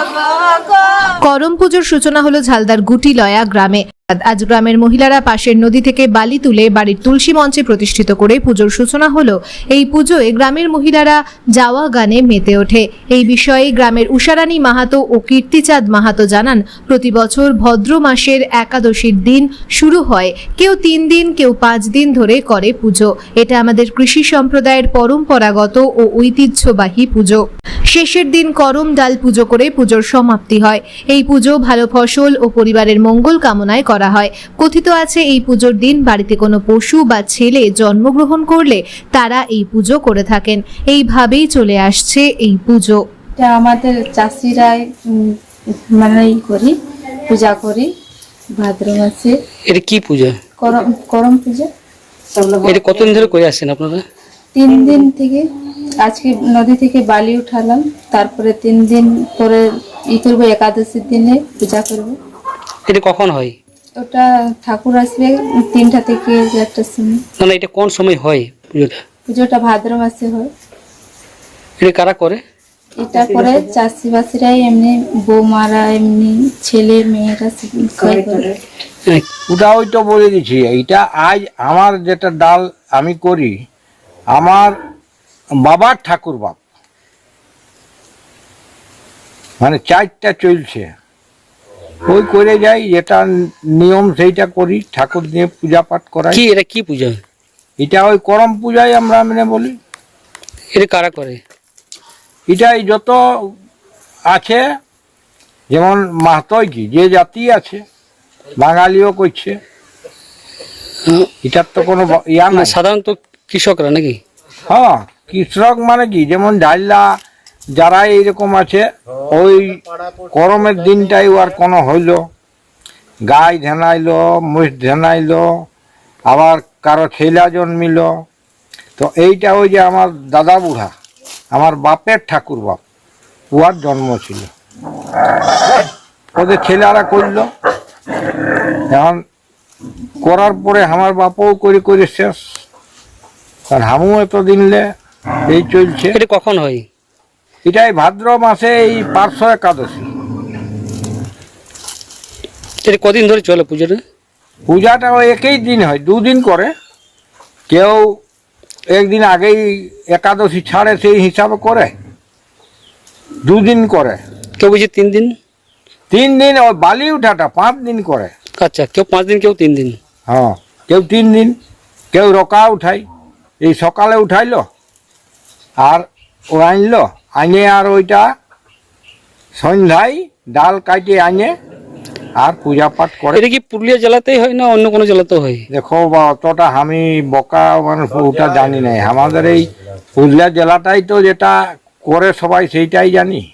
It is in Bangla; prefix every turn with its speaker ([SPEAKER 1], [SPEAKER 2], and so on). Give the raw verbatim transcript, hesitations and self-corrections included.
[SPEAKER 1] করম পুজোর সূচনা হলো ঝালদার গুটিলয়া গ্রামে। আজ গ্রামের মহিলারা পাশের নদী থেকে বালি তুলে বাড়ির তুলসী মঞ্চে প্রতিষ্ঠিত করে পুজোর সূচনা হলো। এই পুজোয় গ্রামের মহিলারা যাওয়া গানে মেতে ওঠে। এই বিষয়ে গ্রামের উষারানী মাহাতো ও কীর্তিচাঁদ মাহাতো জানান, প্রতি বছর ভদ্র মাসের একাদশীর দিন শুরু হয়। কেউ তিন দিন, কেউ পাঁচ দিন ধরে করে পুজো। এটা আমাদের কৃষি সম্প্রদায়ের পরম্পরাগত ও ঐতিহ্যবাহী পুজো। শেষের দিন করম ডাল পুজো করে পুজোর সমাপ্তি হয়। এই পুজো ভালো ফসল ও পরিবারের মঙ্গল কামনায় করা হয়। কথিত আছে, এই পুজোর দিন বাড়িতে কোনো পশু বা ছেলে জন্মগ্রহণ করলে তারা এই পুজো করে থাকেন। এইভাবেই চলে আসছে এই পুজো।
[SPEAKER 2] এটা আমাদের চাষিরাই মানে করি, পূজা করি ভাদ্র মাসে।
[SPEAKER 3] এটা কি পূজা?
[SPEAKER 2] করম করম পূজা।
[SPEAKER 3] এটা কতদিন ধরে করে আসছেন আপনারা?
[SPEAKER 2] তিন দিন থেকে। আজকে নদী থেকে বালি উঠালাম, তারপরে তিন দিন পরে ই করবো, একাদশীর দিনে পূজা করব।
[SPEAKER 3] এটা কখন হয়?
[SPEAKER 2] ওটা ঠাকুর আসবে তিনটা থেকে চারটার সময়।
[SPEAKER 3] মানে এটা কোন সময় হয় পুজোটা?
[SPEAKER 2] পুজোটা ভাদ্র মাসে হয়।
[SPEAKER 3] এটা কারা করে?
[SPEAKER 2] এটা করে চাষিবাসীরাই, এমনি বৌমারা, এমনি ছেলে মেয়েরা সবাই করে।
[SPEAKER 4] ওটা ওই তো বলে দিচ্ছি, এইটা আজ আমার যেটা ডাল আমি করি, আমার বাবার ঠাকুর বাপ মানে চারটা চলছে, ওই করে যাই, যেটা নিয়ম সেইটা করি, ঠাকুর নিয়ে পূজা পাঠ করাই।
[SPEAKER 3] কি এটা কি পূজা?
[SPEAKER 4] এটা ওই করম পূজাই আমরা মানে বলি।
[SPEAKER 3] এটা কারা করে?
[SPEAKER 4] এটাই যত আছে, যেমন মাহাতই কি যে জাতি আছে, বাঙালিও করছে, এটার তো কোনো ইয়া না।
[SPEAKER 3] সাধারণত কৃষকরা নাকি?
[SPEAKER 4] হ্যাঁ, কৃষক মানে কি, যেমন ডাইলা যারা এইরকম আছে, ওই করমের দিনটাই আর কোনো হইলো, গাই ধেনাইলো, মুষ ধেনাইলো, আবার কারো ছেলা জন্মিল, তো এইটা ওই যে আমার দাদা বুড়া, আমার বাপের ঠাকুর বাপ, উহার জন্ম ছিল, ওদের ছেলেরা করলো। এখন করার পরে আমার বাপও করে করে শেষ, আর হামু এত দিনলে এই চলছে।
[SPEAKER 3] এটা কখন হয়?
[SPEAKER 4] এটাই ভাদ্র মাসে এই পার্শ্ব একাদশী।
[SPEAKER 3] এটা কদিন ধরে চলে পুজোটা?
[SPEAKER 4] পূজাটা ওই একই দিন হয়, দুদিন করে। কেউ একদিন আগেই একাদশী ছাড়ে, সেই হিসাবে করে দুদিন করে।
[SPEAKER 3] কেউ বুঝি তিন দিন?
[SPEAKER 4] তিন দিন ওই বালি উঠাটা পাঁচ দিন করে।
[SPEAKER 3] আচ্ছা, কেউ পাঁচ দিন, কেউ তিন দিন।
[SPEAKER 4] হ্যাঁ, কেউ তিন দিন, কেউ রকা উঠাই, এই সকালে উঠাইলো আর ও আনলো, আনে আর ওইটা সন্ধ্যায় ডাল কাটিয়ে আনে আর পূজা পাঠ করে।
[SPEAKER 3] এটা কি পুরুলিয়া জেলাতেই হয় না অন্য কোনো জেলাতেও হয়?
[SPEAKER 4] দেখো বা অতটা আমি বকা মানুষ ওটা জানি নাই, আমাদের এই পুরুলিয়া জেলাটাই তো যেটা করে সবাই সেইটাই জানি।